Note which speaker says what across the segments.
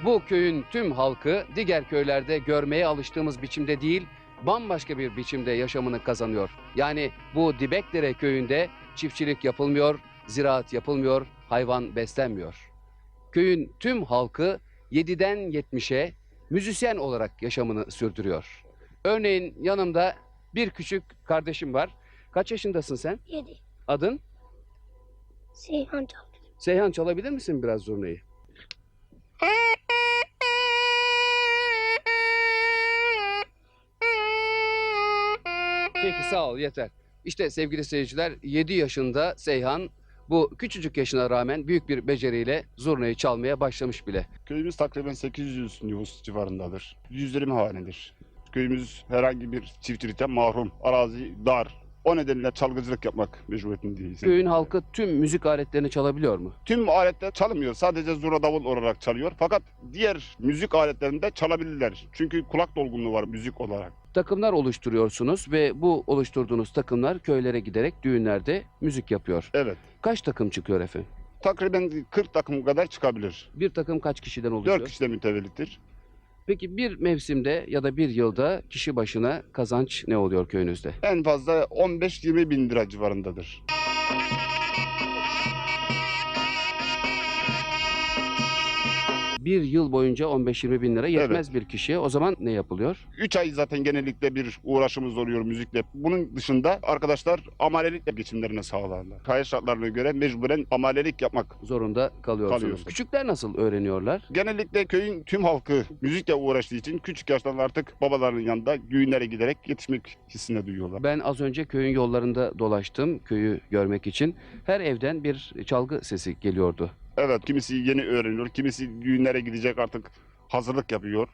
Speaker 1: Bu köyün tüm halkı diğer köylerde görmeye alıştığımız biçimde değil, bambaşka bir biçimde yaşamını kazanıyor. Yani bu Dibekdere köyünde çiftçilik yapılmıyor, ziraat yapılmıyor, hayvan beslenmiyor. Köyün tüm halkı 7'den 70'e müzisyen olarak yaşamını sürdürüyor. Örneğin yanımda bir küçük kardeşim var. Kaç yaşındasın sen?
Speaker 2: 7.
Speaker 1: Adın?
Speaker 2: Seyhan çaldı.
Speaker 1: Seyhan, çalabilir misin biraz zurnayı? Peki, sağ ol, yeter. İşte sevgili seyirciler, 7 yaşında Seyhan bu küçücük yaşına rağmen büyük bir beceriyle zurnayı çalmaya başlamış bile.
Speaker 3: Köyümüz takriben 800 nüfus civarındadır. Yüzlerim hanedir. Köyümüz herhangi bir çiftçilikten mahrum. Arazi dar. O nedenle çalgıcılık yapmak mecburiyetindeyiz.
Speaker 1: Köyün halkı tüm müzik aletlerini çalabiliyor mu?
Speaker 3: Tüm aletler çalınmıyor. Sadece zurna davul olarak çalıyor. Fakat diğer müzik aletlerinde çalabilirler. Çünkü kulak dolgunluğu var müzik olarak.
Speaker 1: Takımlar oluşturuyorsunuz ve bu oluşturduğunuz takımlar köylere giderek düğünlerde müzik yapıyor.
Speaker 3: Evet.
Speaker 1: Kaç takım çıkıyor efendim?
Speaker 3: Takriben 40 takım kadar çıkabilir.
Speaker 1: Bir takım kaç kişiden oluşuyor?
Speaker 3: 4 kişiden mütevellitir.
Speaker 1: Peki bir mevsimde ya da bir yılda kişi başına kazanç ne oluyor köyünüzde?
Speaker 3: En fazla 15-20 bin lira civarındadır.
Speaker 1: Bir yıl boyunca 15-20 bin lira yetmez bir kişiye. O zaman ne yapılıyor?
Speaker 3: 3 ay zaten genellikle bir uğraşımız oluyor müzikle. Bunun dışında arkadaşlar amelelikle geçimlerini sağlarlar. Hayat şartlarına göre mecburen amelelik yapmak.
Speaker 1: Zorunda kalıyorsunuz.
Speaker 3: Kalıyorsun.
Speaker 1: Küçükler nasıl öğreniyorlar?
Speaker 3: Genellikle köyün tüm halkı müzikle uğraştığı için küçük yaştan artık babalarının yanında düğünlere giderek yetişmek hissine duyuyorlar.
Speaker 1: Ben az önce köyün yollarında dolaştım köyü görmek için. Her evden bir çalgı sesi geliyordu.
Speaker 3: Evet, kimisi yeni öğreniyor, kimisi düğünlere gidecek artık hazırlık yapıyor.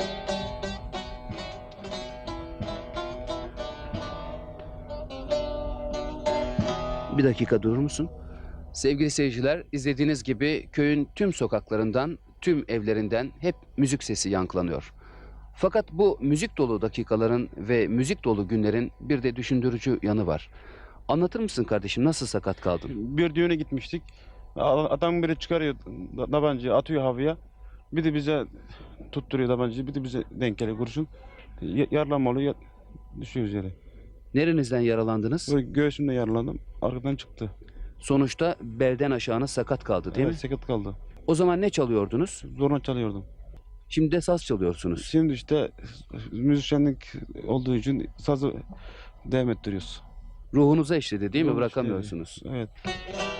Speaker 1: Bir dakika durur musun? Sevgili seyirciler, izlediğiniz gibi köyün tüm sokaklarından, tüm evlerinden hep müzik sesi yankılanıyor. Fakat bu müzik dolu dakikaların ve müzik dolu günlerin bir de düşündürücü yanı var. Anlatır mısın kardeşim, nasıl sakat kaldın?
Speaker 4: Bir düğüne gitmiştik. Adam biri çıkarıyor tabancayı, atıyor havaya. Bir de bize tutturuyor tabancayı, bir de bize denk geliyor kurşun. Yaralanma oluyor, düşüyoruz yere.
Speaker 1: Nerenizden yaralandınız?
Speaker 4: Böyle göğsümde yaralandım, arkadan çıktı.
Speaker 1: Sonuçta belden aşağına sakat kaldı değil
Speaker 4: Evet,
Speaker 1: mi?
Speaker 4: sakat kaldı.
Speaker 1: O zaman ne çalıyordunuz?
Speaker 4: Zorla çalıyordum.
Speaker 1: Şimdi de saz çalıyorsunuz.
Speaker 4: Şimdi işte müzisyenlik olduğu için sazı devam ettiriyoruz.
Speaker 1: Ruhunuza işledi değil mi?
Speaker 4: Ruhum
Speaker 1: Bırakamıyorsunuz.
Speaker 4: işte, evet.